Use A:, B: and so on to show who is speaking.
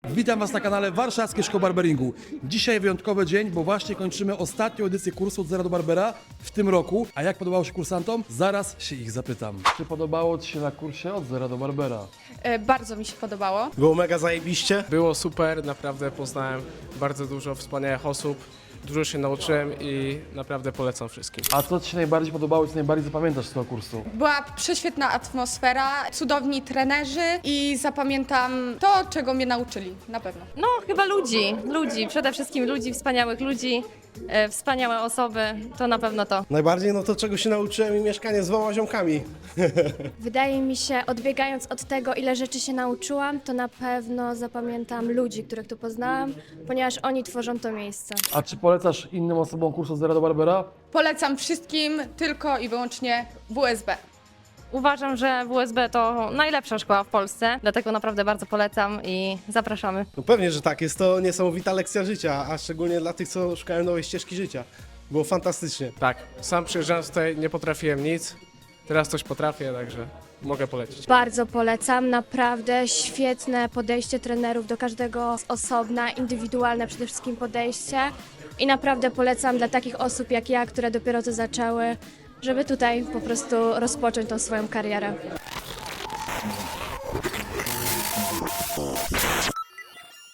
A: Witam Was na kanale Warszawskie Szkoły Barberingu. Dzisiaj wyjątkowy dzień, bo właśnie kończymy ostatnią edycję kursu od zera do barbera w tym roku. A jak podobało się kursantom? Zaraz się ich zapytam. Czy podobało Ci się na kursie od zera do barbera?
B: Bardzo mi się podobało.
C: Było mega zajebiście.
D: Było super, naprawdę poznałem bardzo dużo wspaniałych osób, dużo się nauczyłem i naprawdę polecam wszystkim.
A: A co Ci się najbardziej podobało i co najbardziej zapamiętasz z tego kursu?
B: Była prześwietna atmosfera, cudowni trenerzy i zapamiętam to, czego mnie nauczyli, na pewno.
E: No, chyba ludzi, przede wszystkim ludzi, wspaniałych ludzi, wspaniałe osoby, to na pewno to.
C: Najbardziej to, czego się nauczyłem i mieszkanie z 2 ziomkami.
F: Wydaje mi się, odbiegając od tego, ile rzeczy się nauczyłam, to na pewno zapamiętam ludzi, których tu poznałam, ponieważ oni tworzą to miejsce.
A: A czy polecasz innym osobom kurs od zera do barbera?
B: Polecam wszystkim tylko i wyłącznie WSB.
E: Uważam, że WSB to najlepsza szkoła w Polsce, dlatego naprawdę bardzo polecam i zapraszamy.
C: No pewnie, że tak. Jest to niesamowita lekcja życia, a szczególnie dla tych, co szukają nowej ścieżki życia. Było fantastycznie.
D: Tak, sam przyjeżdżając tutaj nie potrafiłem nic, teraz coś potrafię, także mogę polecić.
F: Bardzo polecam, naprawdę świetne podejście trenerów do każdego z osobna, indywidualne przede wszystkim podejście i naprawdę polecam dla takich osób jak ja, które dopiero to zaczęły, żeby tutaj po prostu rozpocząć tą swoją karierę.